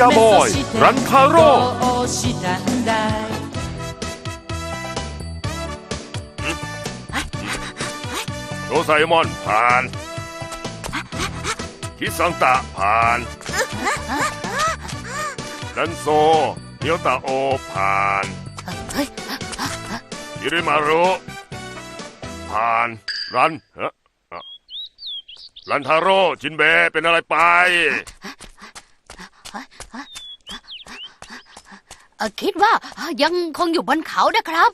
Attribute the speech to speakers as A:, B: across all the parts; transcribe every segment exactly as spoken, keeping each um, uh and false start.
A: จาบอยรันทาโร่โดไซมอนผ่านคิซังตะผ่านดันโซเฮียวตาโอผ่านฮิริมารุผ่านรันเฮ้รันทาโร่จินเบะเป็นอะไรไป
B: คิดว่ายังคงอยู่บนเขานะครับ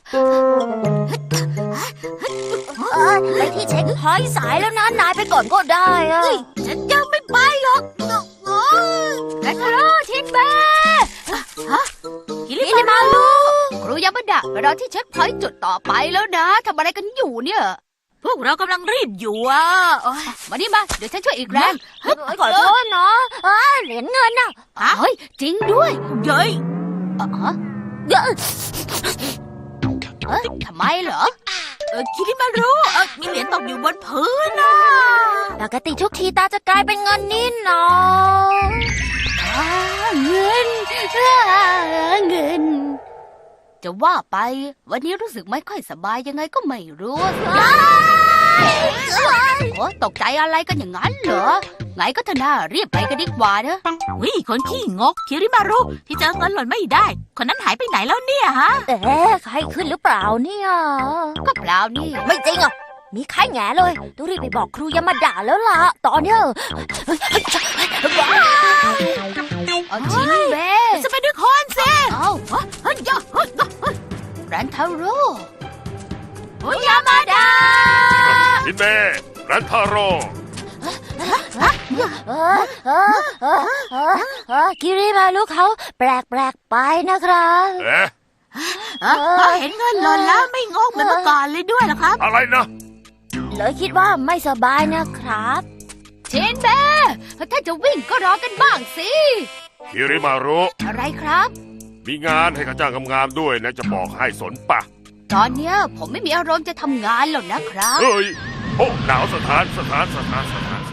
C: ไปที่เช็คพอยต์สายแล้วนะนายไปก่อนก็ได้อะ
B: ฉันยังไม่ไปหรอกรันทาโร่จินเบะ
C: คิริมารุ
B: ครูยามาดะไปรอที่เช็คพอยต์จุดต่อไปแล้วนะทำอะไรกันอยู่เนี่ย
C: พวกเรากำลังรีบอยู่อ่ะ
B: มานี่มาเดี๋ยวฉันช่วยอีกแรง
C: ขอโทษเนาะเหรียญเงินน่ะ
B: เฮ้ยจริงด้วย
C: เย้ย
B: เออทำไมเหรอ
C: เออคิริมารุมีเหรียญตกอยู่บนพื้นน่ะปกติทุกทีตาจะกลายเป็นเงินนี่นาะ
B: เงินเงินจะว่าไปวันนี้รู้สึกไม่ค่อยสบายยังไงก็ไม่รู้โอ้ตกใจอะไรกันอย่างนั้นเหรอไงก็เถอะนะรีบไปกันดีกว่านะ
C: วิคนขี้งกคิริมารุที่เจอเงินหล่นไม่ได้คนนั้นหายไปไหนแล้วเนี่ยฮะเอ๊ะใครขึ้นหรือเปล่าเนี่ย
B: ก็เปล่านี่
C: ไม่จริงอ่ะมีใครแง่เลยต้องรีบไปบอกครูยามาด่าแล้วล่ะตอนเนี้ย
B: เอาจริงเบ้
C: จะไปด้วยคนสิ
B: เอารันทาโร่
C: ครูยามาด่า
A: จินเบะรันทาโร่
C: คิริมารุเขาแปลกแปลกไปนะครับ
A: เอ๊ะ
C: พอเห็นเงินหล่นแล้วไม่งงเหมือนเมื่อก่อนเลยด้วยหรอครับ
A: อะไรนะ
C: เลยคิดว่าไม่สบายนะครับ
B: เชนเบ้ถ้าจะวิ่งก็รอกันบ้างสิ
A: คิริมารุ
B: อะไรครับ
A: มีงานให้ข้าจ้างงามๆด้วยนะจะบอกให้สนปะ
B: ตอนเนี้ยผมไม่มีอารมณ์จะทำงานหรอกนะครับ
A: เฮ้ยโอ้หนาวสถานสถานสถานสถาน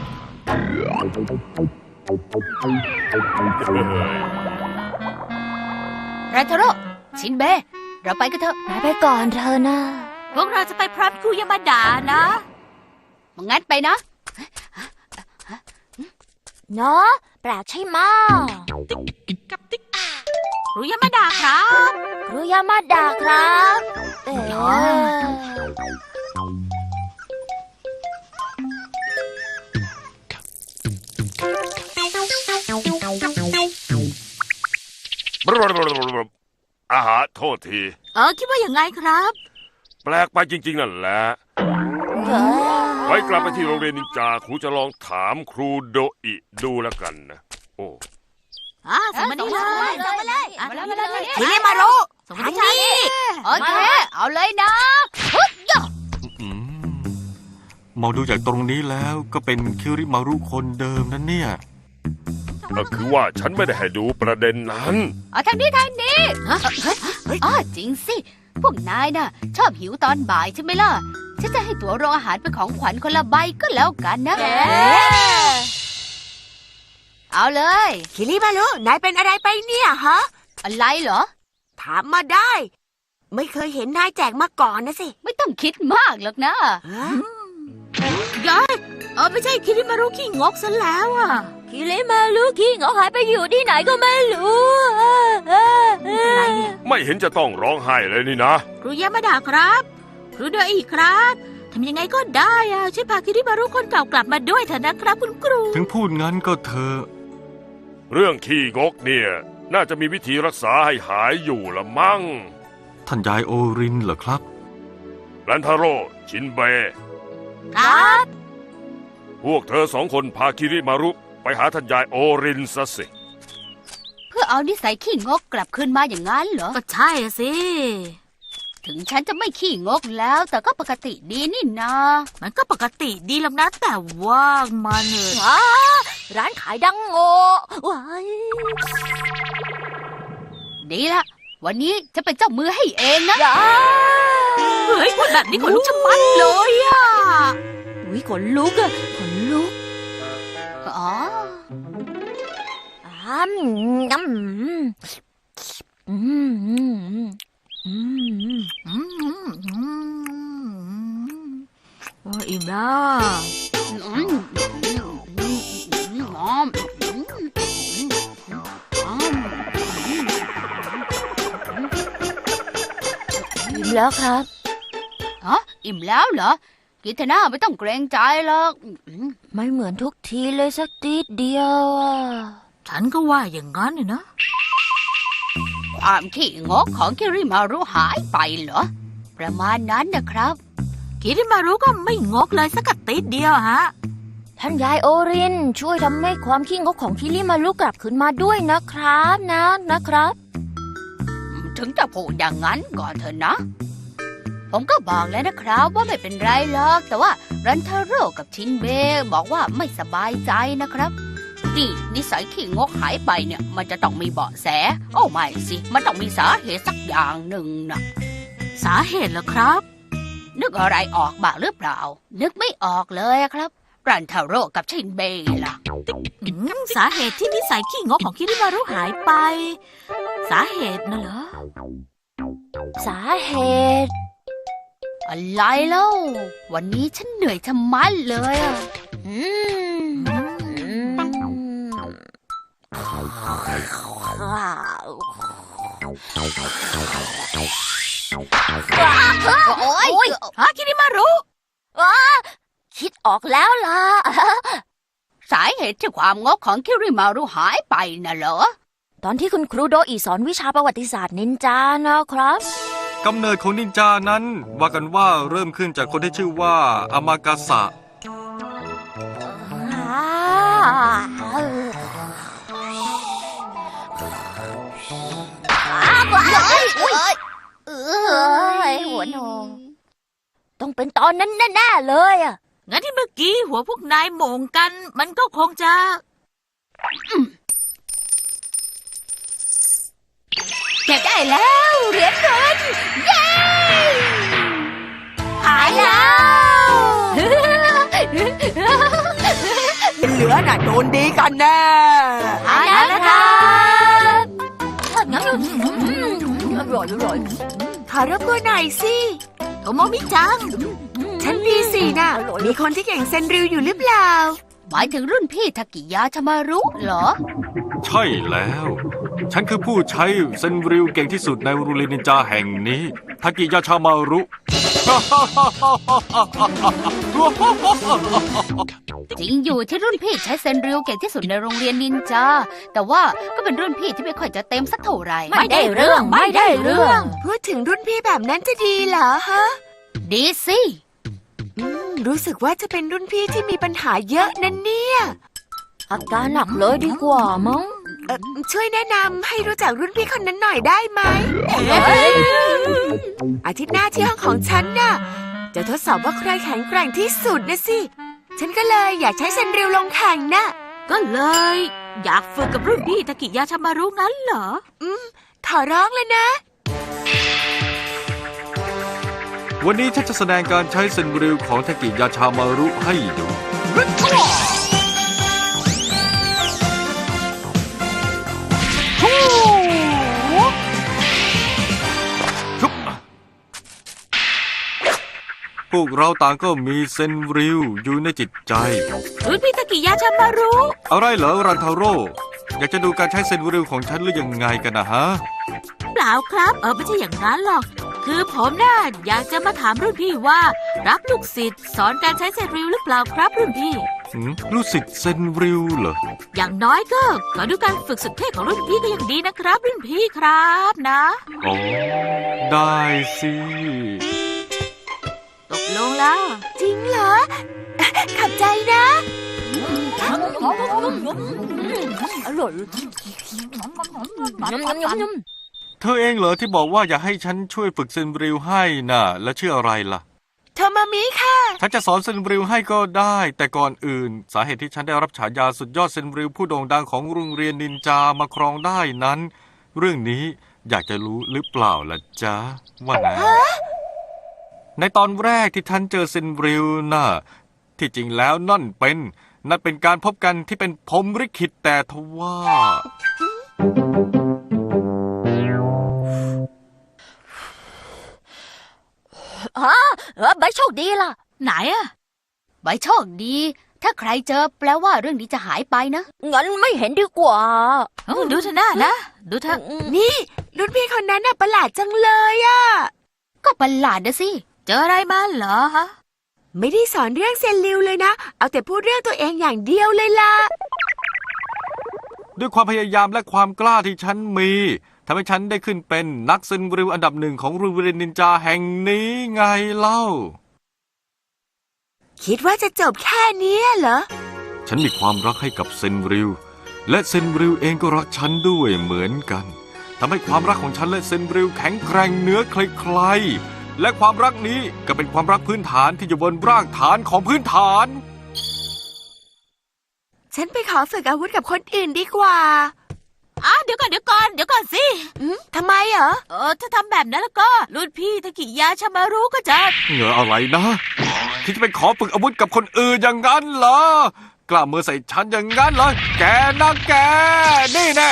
B: รันทาโร่ชินเบ้เราไปกันเถอะ
C: ไปก่อนเธอนะพวกเราจะไปพร้อมครูยามาดานะ
B: งั้นไปนะ
C: เนาะแปลกใช่ไหมกับติ๊กครูยามาดาครับครูยามาดาครับเอ๋
A: อาหารโทษที
C: เออคิดว่าอย่างไงครับ
A: แปลกไปจริงๆนั่นแหละไว้กลับไปที่โรงเรียนนินจาครูจะลองถามครูโดอิดูแล้วกันนะโอ้
C: อ่าส่งมานี่เลยส่งมาเลย
B: มาเลยมาเลย
C: คิริมารุส่งมาที่นี่
B: โอเคเอาเลยนะ
D: มองดูจากตรงนี้แล้วก็เป็นคิริมารุคนเดิมนั่นเนี่ย
A: ก็คือว่าฉันไม่ได้ให้ดูประเด็นนั้น
B: อ๋อทางนี้ทางนี้อ๋อจริงสิพวกนายน่ะชอบหิวตอนบ่ายใช่ไหมล่ะฉันจะให้ตั๋วโรงอาหารเป็นของขวัญคนละใบก็แล้วกันนะเอาเลย
C: คิริมารุนายเป็นอะไรไปเนี่ยฮะ
B: อะไรเหรอ
C: ถามมาได้ไม่เคยเห็นนายแจกมาก่อนนะสิ
B: ไม่ต้องคิดมากหรอกนะ
C: ยายเออไม่ใช่คิริมารุขี้งกซะแล้วอ่ะคิริมารุขี้งกหายไปอยู่ที่ไหนก็ไม่รู้
A: ไม่เห็นจะต้องร้องไห้เลยนี่นะ
C: ครูยามาดาครับครูโดอิครับทำยังไงก็ได้อ่ะช่วยพาคิริมารุคนเก่ากลับมาด้วยเถอะนะครับคุณครู
D: ถึงพูดงั้นก็เถอะ
A: เรื่องขี้งกเนี่ยน่าจะมีวิธีรักษาให้หายอยู่ละมั้ง
D: ท่านยายโอรินเหรอครับ
A: รันทาโร่ชินเบะ
C: ครับ
A: พวกเธอสองคนพาคิริมารุไปหาท่านยายโอรินซะสิ
B: เพื่อเอานิสัยขี้งกกลับคืนมาอย่างนั้นเหรอ
C: ก็ใช่สิ
B: ถึงฉันจะไม่ขี้งกแล้วแต่ก็ปกติดีนี่นา
C: มันก็ปกติดีแล้วนะแต่ว่ามันเนี่ยร้านขายดังโง่ว้าย
B: ดีละวันนี้จะเป็นเจ้ามือให้เองนะ
C: เฮ้ยคนแบบนี้ขนลุกชะมัดเลยอ่ะอุ้ยขนลุกอ่ะขนลุก
B: อ๋อ
C: อ้ำน้ำอืมอืมอืมอืมอืมอืมโอ้อิ่มแล้ว
B: อืมอืมอืมอืมอืมอืมอืม
C: อิ่มแล้วครับ
B: ฮะอิ่มแล้วเหรอกินเถอะนะไม่ต้องเกรงใจหรอกอืม
C: ไม่เหมือนทุกทีเลยสักทีเดียวอ่ะ
E: ฉันก็ว่าอย่างนั้นเนี่ยนะ
B: ความขี้งกของคิริมารุหายไปเหรอ ประมาณนั้นนะครับ
E: คิริมารุก็ไม่งกเลยสักกะติดเดียวฮะ
C: ท่านยายโอรินช่วยทำให้ความขี้งกของคิริมารุกลับคืนมาด้วยนะครับนะนะครับ
B: ถึงจะพูดอย่างนั้นก่อนเถอะนะ ผมก็บอกแล้วนะครับว่าไม่เป็นไรหรอก แต่ว่ารันทาโร่กับชินเบะบอกว่าไม่สบายใจนะครับ นี่นิสัยขี้งกหายไปเนี่ย มันจะต้องมีเบาะแส โอ้ไม่สิ มันต้องมีสาเหตุสักอย่างหนึ่งนะ
E: สาเหตุเหรอครับ
B: นึกอะไรออกบ้างหรือเปล่า นึกไม่ออกเลยอะครับ รันทาโร่กับชินเบะล่ะ
E: อืมสาเหตุที่นิสัยขี้งกของคิริมารุหายไป สาเหตุน่ะเหรอ
C: สาเหตุ
B: อะไรเล่า วันนี้ฉันเหนื่อยชะมัดเลยอะ
C: อืมอืม
B: โอ๊ย
E: ฮะคิริมารุ
C: คิดออกแล้วล่ะ
B: สาเหตุที่ความงกของคิริมารุหายไปน่ะเหรอ
C: ตอนที่คุณครูโดอีสอนวิชาประวัติศาสตร์นินจานะครับ
D: กำเนิดของนินจานั้น ว่ากันว่าเริ่มขึ้นจากคนที่ชื่อว่าอามากาสะ
C: เอ้ยหัวโนต้องเป็นตอนนั้นแน่ๆเลยอ่ะ
E: งั้นที่เมื่อกี้หัวพวกนายโหม่งกัน มันก็คงจะ
B: เก็บได้แล้วเหรียญเงินเย้
C: หายแล้ว
E: เหลือน่ะโดนดีกันแน่
C: หายแล้วนะครับงั้นอร่อยอร่อย
E: ขอรบกวนหน่อยสิโทโมมิจัง
C: ฉันดีสินะ
E: มีคนที่เก่งเซนริวอยู่หรือเปล่า
B: หมายถึงรุ่นพี่ทากิยาชามารุเหรอ
D: ใช่แล้ว ฉันคือผู้ใช้เซนริวเก่งที่สุดในโรงเรียนนินจาแห่งนี้ทากิยาชามารุ
B: จริงอยู่ที่รุ่นพี่ใช้เซนริวเก่งที่สุดในโรงเรียนนินจา แต่ว่าก็เป็นรุ่นพี่ที่ไม่ค่อยจะเต็มสักเท่าไหร่
C: ไม่ได้เรื่องไม่ได้เรื่อง
E: พูดถึงรุ่นพี่แบบนั้นจะดีเหรอฮะ
B: ดีสิ
E: รู้สึกว่าจะเป็นรุ่นพี่ที่มีปัญหาเยอะนั่นเนี่ย
C: อาการหนักเลยดีกว่ามั้ง
E: เอ่อช่วยแนะนำให้รู้จักรุ่นพี่คนนั้นหน่อยได้ไหม อาทิตย์หน้าที่ห้องของฉันน่ะ จะทดสอบว่าใครแข็งแกร่งที่สุดนะสิ ฉันก็เลยอยากใช้เซนริวลงแข่งน่ะ ก็เลย อยากฝึกกับรุ่นพี่ตะกิยาชามารุงั้นเหรอ อืม ขอร้องเลยนะ
D: วันนี้ฉันจะแสดงการใช้เซนริวของทากิยาชามารุให้ดู ชุบพวกเราต่างก็มีเซนริวอยู่ในจิตใจ
E: รุ่นพี่ตะกิยาชามารุ
D: อะไรเหรอรันทาโร่ อยากจะดูการใช้เซนริวของฉันหรือยังไงกันนะฮะ
E: เปล่าครับ เออไม่ใช่อย่างนั้นหรอก คือผมน่ะอยากจะมาถามรุ่นพี่ว่า รับลูกศิษย์สอนการใช้เซนริวหรือเปล่าครับรุ่นพี่
D: หืมรู้สึกเซนริวเหรอ
E: อย่างน้อยก็ขอดูการฝึกสุดเท่ของรุ่นพี่ก็ยังดีนะครับ รุ่นพี่ครับนะ
D: อ๋อ ได้สิ
E: ตกลงแล้ว จริงเหรอ ขับใจนะ
C: อร่อยยำยำยำยำ
D: เธอเองเหรอที่บอกว่าอยากให้ฉันช่วยฝึกเซนริวให้น่ะ แล้วชื่ออะไรล่ะ
E: โทมามิค่ะ
D: ฉันจะสอนเซนริวให้ก็ได้ แต่ก่อนอื่น สาเหตุที่ฉันได้รับฉายาสุดยอดเซนริวผู้โด่งดังของโรงเรียนนินจามาครองได้นั้น เรื่องนี้อยากจะรู้หรือเปล่าล่ะจ๊ะว่าไงในตอนแรกที่ท่านเจอเซนริวน่ะที่จริงแล้วนั่นเป็นนั่นเป็นการพบกันที่เป็นพรหมลิขิตแต่ทว่า
C: อ๋อเออใบโชคดีล่ะ
E: ไหนอะ
B: ใบโชคดี ถ้าใครเจอแปลว่าเรื่องนี้จะหายไปนะ
C: งั้นไม่เห็นดีกว่า
E: เอ้าดูเถอะหน้านะ ดูเถอะนี่ รุ่นพี่คนนั้นน่ะประหลาดจังเลยอะ
B: ก็ประหลาดนะสิ
E: เจออะไรมาเหรอฮะ ไม่ได้สอนเรื่องเซนริวเลยนะ เอาแต่พูดเรื่องตัวเองอย่างเดียวเลยล่ะ
D: ด้วยความพยายามและความกล้าที่ฉันมีทำให้ฉันได้ขึ้นเป็นนักเซนริวอันดับหนึ่งของโรงเรียนนินจาแห่งนี้ไงเล่า
E: คิดว่าจะจบแค่เนี้ยเหรอ
D: ฉันมีความรักให้กับเซนริวและเซนริวเองก็รักฉันด้วยเหมือนกันทำให้ความรักของฉันและเซนริวแข็งแกร่งเหนือใครๆและความรักนี้ก็เป็นความรักพื้นฐานที่อยู่บนรากฐานของพื้นฐาน
E: ฉันไปขอฝึกอาวุธกับคนอื่นดีกว่าอ่ะเดี๋ยวก่อนเดี๋ยวก่อนเดี๋ยวก่อนสิอืมทำไมเหรอ เออ ถ้าทำแบบนั้นแล้วก็ รุ่นพี่ตะกิยาชามารุก็จะ
D: เหงออะไรนะที่จะไปขอฝึกอาวุธกับคนอื่นอย่างนั้นเหรอกล้ามือใส่ฉันอย่างนั้นเหรอแกนะแกนี่แน่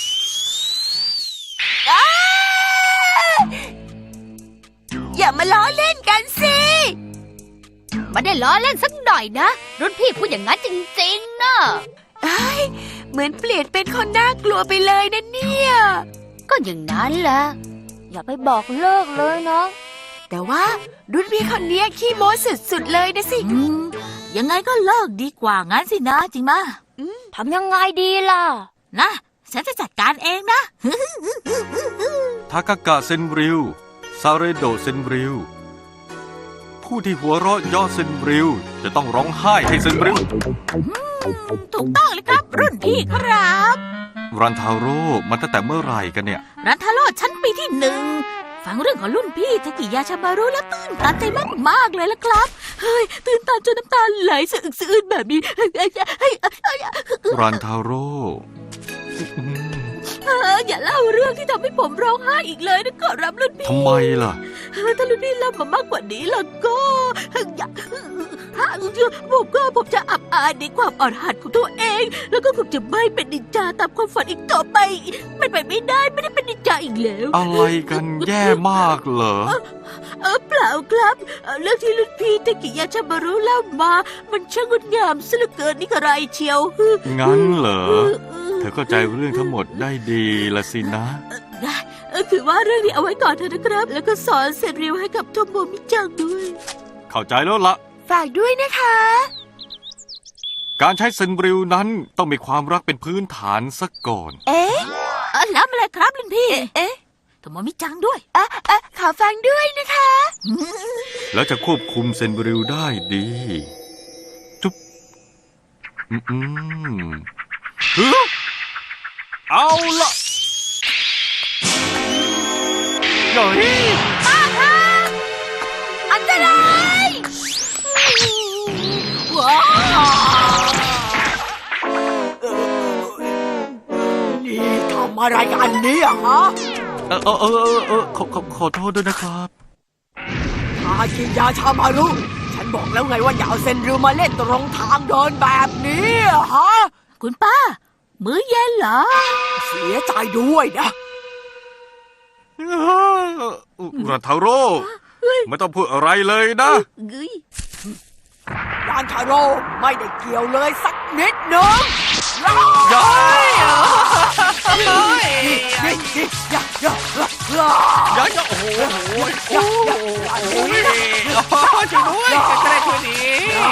E: อย่ามาล้อเล่นกันสิ
B: ไม่ได้ล้อเล่นสักหน่อยนะ รุ่นพี่พูดอย่างนั้นจริงๆนะ
E: เอ้ยเหมือนเปลี่ยนเป็นคนน่ากลัวไปเลยนะเนี่ย
B: ก็อย่างนั้นแหละ
C: อย่าไปบอกเลิกเลยนะ
E: แต่ว่ารุ่นพี่คนเนี้ยขี้โม้สุดๆเลยนะสิ
F: อืมยังไงก็เลิกดีกว่างั้นสินะจริงมะ
C: ทำยังไงดีล่ะ
F: นะฉันจะจัดการเองนะ
D: ทากากะเซนริวซาเรโดเซนริวผู้ที่หัวเราะเย่อเซนริวจะต้องร้องไห้ให้เซนริว
F: ถูกต้องเลยครับ รุ่นพี่ครับ
D: รันทาโร่มาตั้งแต่เมื่อไหร่กันเนี่ย
F: รันทาโร่ชั้นปีที่หนึ่งฟังเรื่องของรุ่นพี่ทากิยาชามารุแล้วตื่นตันใจมากๆเลยละครับเฮ้ยตื่นตันจนน้ำตาไหลสะอึกสะอื้นแบบนี้เฮ้ยเฮ้ยเฮ้ยเฮ้ย
D: รันทาโร่
F: เอออย่าเล่าเรื่องที่ทำให้ผมร้องไห้อีกเลยนะขอรับรุ่นพี่
D: ทำไมล่ะ
F: ถ้ารุ่นพี่เล่ามามากกว่านี้แล้วก็อย่าผมก็ผมจะอับอายในความอ่อนหัดของตัวเอง แล้วก็ผมจะไม่เป็นนินจาตามความฝันอีกต่อไปไม่ไปไม่ได้ไม่ได้เป็นนินจาอีกแล้ว
D: อะไรกันแย่มากเหรอ
F: เออเปล่าครับเอ่อเรื่องที่รุ่นพี่ตะกิยาชามารุเล่ามา มันช่างงดงามซะเหลือเกินนี่กระไรเชียว
D: งั้นเหรอ เธอเข้าใจเรื่องทั้งหมดได้ดีละสินะ
F: เออคือว่าเรื่องนี้เอาไว้ก่อนเถอะนะครับ แล้วก็สอนเซนริวให้กับโทโมมิจังด้วย
D: เข้าใจแล้วละ
E: ฝากด้วยนะคะ
D: การใช้เซนริวนั้นต้องมีความรักเป็นพื้นฐานซะก่อน
E: เอ๊ะ
F: เออแล้วอะไรครับรุ่นพี่
E: เอ๊ะ
F: โทโมมิจังด้วย
E: อ่ะอ่ะขอฟังด้วยนะคะ
D: แล้วจะควบคุมเซนริวได้ดี จุ๊บอืมอืมฮึเอาละหน่อย
E: อันตราย
F: ว้าว
E: นี่ทำอะไรกันเนี่ยฮะ
D: เออเออเออเออเออขอขอขอโทษด้วยนะครับ
E: ทากิยาชามารุฉันบอกแล้วไงว่าอย่าเอาเซนริวมาเล่นตรงทางเดินแบบนี้ฮะ
F: คุณป้า มื้อเย็นเหรอ
E: เสียใจด้วยนะ
D: รันทาโร่ไม่ต้องพูดอะไรเลยนะ
F: เฮ้ย
E: ยานทาโร่ไม่ได้เกี่ยวเลยสักนิดหนึง
D: ย้าย
E: นี่นี่อย่าอย่าอย่า
D: ย้ายโอ้โห
E: อย่าอย่าอย่าช่วยด้วยใกล้ๆช่วยดี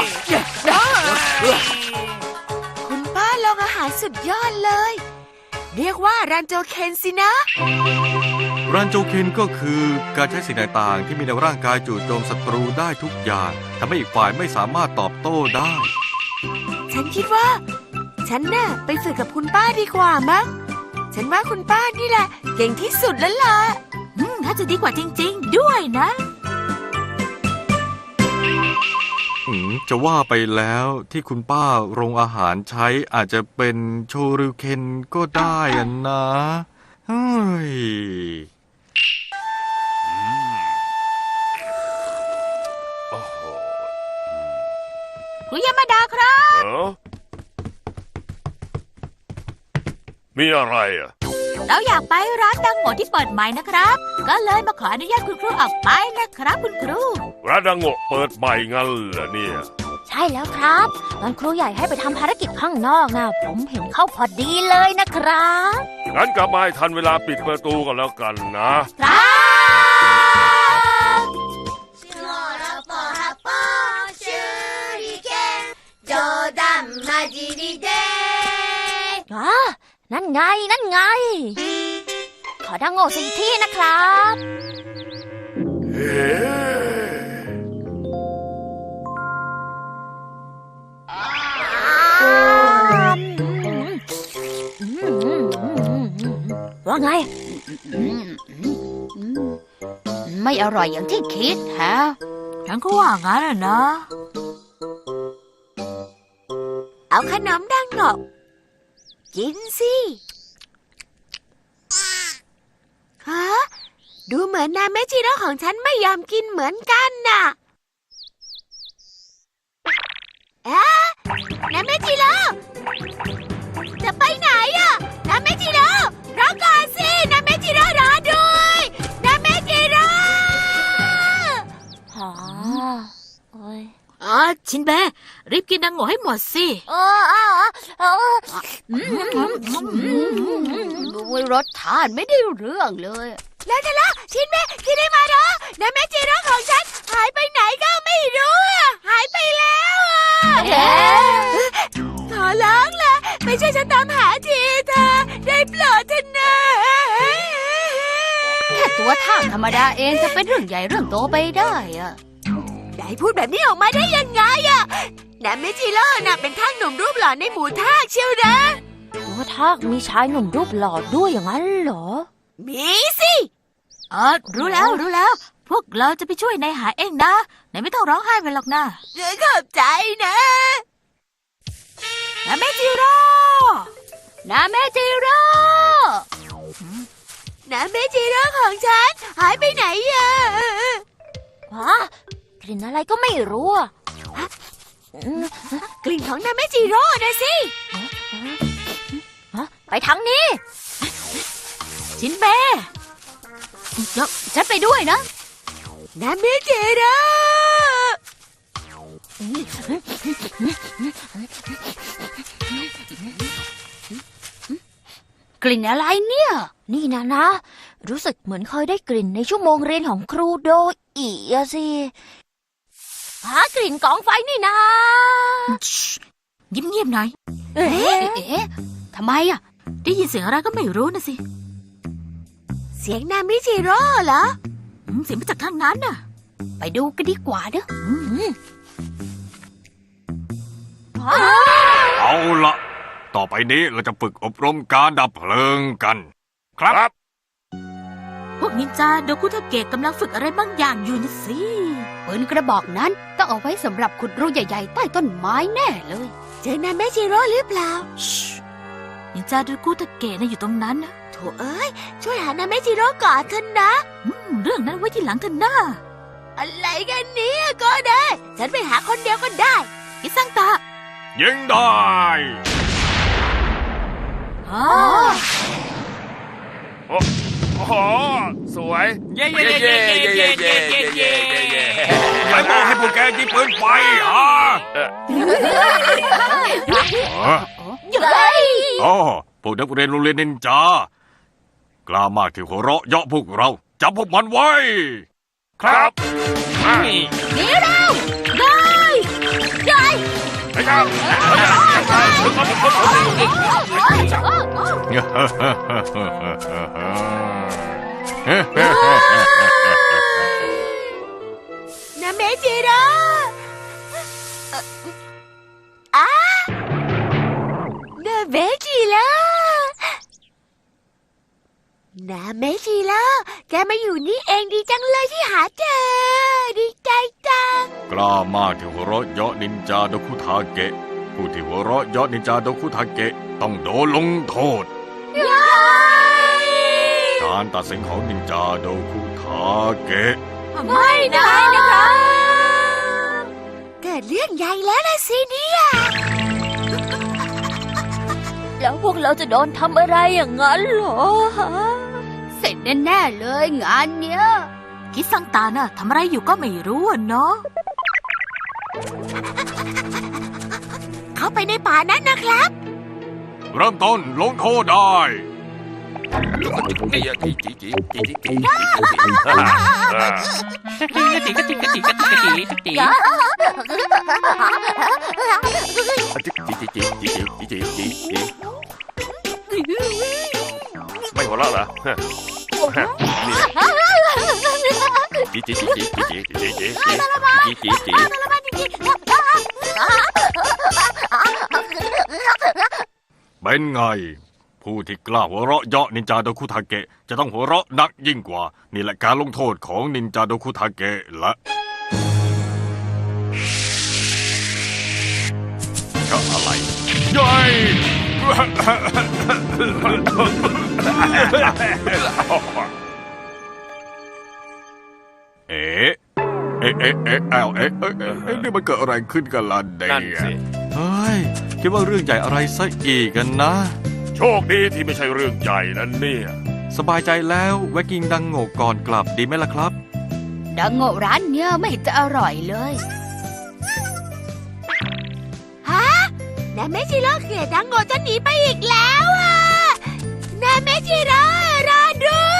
E: คุณป้าลองอาหารสุดยอดเลย เรียกว่ารันโจเคนสินะ
D: รันโจเคนก็คือการใช้สิ่งต่างๆที่มีในร่างกายจู่โจมศัตรูได้ทุกอย่างทำให้อีกฝ่ายไม่สามารถตอบโต้ได้
E: ฉันคิดว่า ฉันน่ะไปฝึกกับคุณป้าดีกว่ามั้ง ฉันว่าคุณป้านี่แหละ เก่งที่สุดแล้วล่ะ
F: อืมถ้าจะดีกว่าจริง ๆ ด้วยนะ
D: อืมจะว่าไปแล้วที่คุณป้าโรงอาหารใช้อาจจะเป็นโชริวเคนก็ได้อะนะเฮ้ย
A: โอ้โห
F: คุณยามาดาครับ
A: เออมีอะไรอ่ะ
F: เราอยากไปร้านดังโง่ที่เปิดใหม่นะครับ ก็เลยมาขออนุญาตคุณครูออกไปนะครับคุณครู
A: ร้านดังโงะเปิดใหม่งั้นเหรอเนี่ย
C: ใช่แล้วครับตอนครูใหญ่ให้ไปทำภารกิจข้างนอกนะผมเห็นเข้าพอดีเลยนะครับ
A: งั้นกลับมาให้ทันเวลาปิดประตูกันแล้วกันนะ
C: ครับอ๋อนั่นไงนั่นไง ขอดังโง่สักอีกที่นะครับ
A: เฮ้
C: ว่าไง
B: อืมอืมอืมไม่อร่อยอย่างที่คิดฮะ
F: ฉันก็ว่างั้นนะ
E: เอาขนมดังโงะกินสิฮะดูเหมือนนาเมจิโร่ของฉันไม่ยอมกินเหมือนกันน่ะเอ๊ะนาเมจิโร่จะไปไหนอะนาเมจิโร่รอก่อนสินาเมจิโร่รอด้วยนาเมจิโร่
C: อ๋อโอ้ย
F: อ๋อชินเบะรีบกินดังโง่ให้หมดสิ
C: เออเออเออ
B: อืมอืมอืมดูรสชาติไม่ได้เรื่องเลย
E: แล้วจะละชินเบะคิดได้มาเหรอนาเมจิโร่ของฉันหายไปไหนก็ไม่รู้อะหายไปแล้วอะ
B: เอ๊ะ
E: ขอร้องล่ะไม่ใช่ฉันตามหาทีเธอได้โปรดเถอะนะ
B: แค่ตัวท่างธรรมดาเองจะเป็นเรื่องใหญ่เรื่องโตไปได้อะ
E: ได้พูดแบบนี้ออกมาได้ยังไงอะนาเมจิโร่น่ะเป็นทากหนุ่มรูปหล่อในหมู่ทากเชียวนะ
C: ตัวทากมีชายหนุ่มรูปหล่อด้วยอย่างนั้นเหรอ
E: มีสิ
F: อ๋อรู้แล้วรู้แล้ว พวกเราจะไปช่วยนายหาเองนะนายไม่ต้องร้องไห้ไปหรอกนะ
E: ขอบใจนะ
F: นาเมจิโร่
B: นาเมจิโร่
E: นาเมจิโร่ของฉันหายไปไหนอะ
C: ฮะกลิ่นอะไรก็ไม่รู้อะอืม
E: กลิ่นของนาเมจิโร่นะสิ
C: ฮะไปทางนี้
F: ชินเบะเดี๋ยว
B: ฉันไปด้วยนะ
E: นาเมจิโร่
B: กลิ่นอะไรเนี่ย
C: นี่นะนะ รู้สึกเหมือนเคยได้กลิ่นในชั่วโมงเรียนของครูโดอีอะสิหากลิ่นกองไฟนี่นะ
F: เงียบๆหน่อย
C: เอ๊ะ
B: เอ๊ะทำไมอ่ะ
F: ได้ยินเสียงอะไรก็ไม่รู้นะสิ
E: เสียงนาเมจิโร่เหรอ
F: อืมเสียงมาจากทางนั้นน่ะ
B: ไปดูกันดีกว่าเนอะ
D: เอาละต่อไปนี้เราจะฝึกอบรมการดับเพลิงกัน ครับ
A: ครับ
F: พวกนินจาโดคุทาเกะกำลังฝึกอะไรบางอย่างอยู่นะสิ
B: ปืนกระบอกนั้นต้องเอาไว้สำหรับขุดรูใหญ่ๆใต้ต้นไม้แน่เลย
E: เจอนาเมจิโร่หรือเปล่า
F: นินจาโดคุทาเกะน่ะอยู่ตรงนั้นนะ
E: โถเอ้ยช่วยหานาเมจิโร่ก่อนเถอะนะ
F: อืมเรื่องนั้นไว้ที่หลังเถอะนะ
E: อะไรกันเนี่ยก็ได้ ฉันไปหาคนเดียวก็ได้
F: อิซังตะ
D: ยิงได้
F: อ๋อ
A: โอ้โหสวย
D: เย้เย้เย้เย้เย้เย้เย้เย้เย้เย้ใครบอกให้พวกแกยิงปืนไฟฮะ
A: เอ่อ
D: ฮะ
B: เย้ย
D: อ๋อพวกนักเรียนโรงเรียนนินจากล้ามากที่หัวเราะเยาะพวกเราจับพวกมันไว้
A: ครับมา
B: หนีเร็ว
A: ไปครับทุกคนทุกคน
E: นาเมจิโร่อ่ะนาเมจิโร่นาเมจิโร่แกมาอยู่นี่เองดีจังเลยที่หาเจอ ดีใจจัง
D: กล้ามากที่หัวเราะเยาะนินจาโดคุทาเกะผู้ที่หัวเราะเยาะนินจาโดคุทาเกะต้องโดนลงโทษ การตัดสินของนินจาโดคุทาเกะ
E: ไม่ได้นะครับเกิดเรื่องใหญ่แล้วนะสิเนี่ย
B: หล
C: แล้วพวกเราจะโดนทำอะไรอย่างนั้นเหรอฮะ
B: เสร็จแน่ๆเลยงานเนี้ย
E: คิดสังตาน่ะทำอะไรอยู่ก็ไม่รู้อะเนาะ เข้าไปในป่านั้นนะครับ
D: เริ่มต้นลงโทษได้
A: จีจีจีจีจีจีจี
G: กะจิกะจิกะจิกะจิกะจิกะจิกะจิ
A: จีจีจีจีจีจีจีจีไม่หัวเราะเหรอจีจีจีจีจีจีจีจีจีจี
D: เป็นไง ผู้ที่กล้าหัวเราะเยาะนินจาโดคุทาเกะจะต้องหัวเราะหนักยิ่งกว่า นี่แหละการลงโทษของนินจาโดคุทาเกะละก็อะไรยัยเอ๊ะเอ๊ะเอ๊ะเอ๊ะเอ๊ะเอ๊ะเอ๊ะเอ๊ะเอ๊ะนี่มันเกิดอะไรขึ้นกันล่ะเด็ก
A: นั่นสิ
D: เฮ้ยคิดว่าเรื่องใหญ่อะไรซะอีกกันนะ
A: โชคดีที่ไม่ใช่เรื่องใหญ่นั่นเนี่ย
D: สบายใจแล้วแวะกินดังโง่ก่อนกลับดีไหมล่ะครับ
B: ดังโง่ร้านเนี้ยไม่เห็นจะอร่อยเลย
E: ฮะนายเมจิโร่เกลียดดังโง่จะหนีไปอีกแล้วอ่ะนายเมจิโร่รอด้วย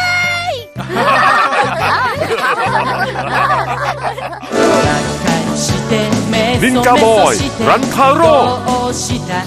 G: ニンジャボーイランタロー
H: どうした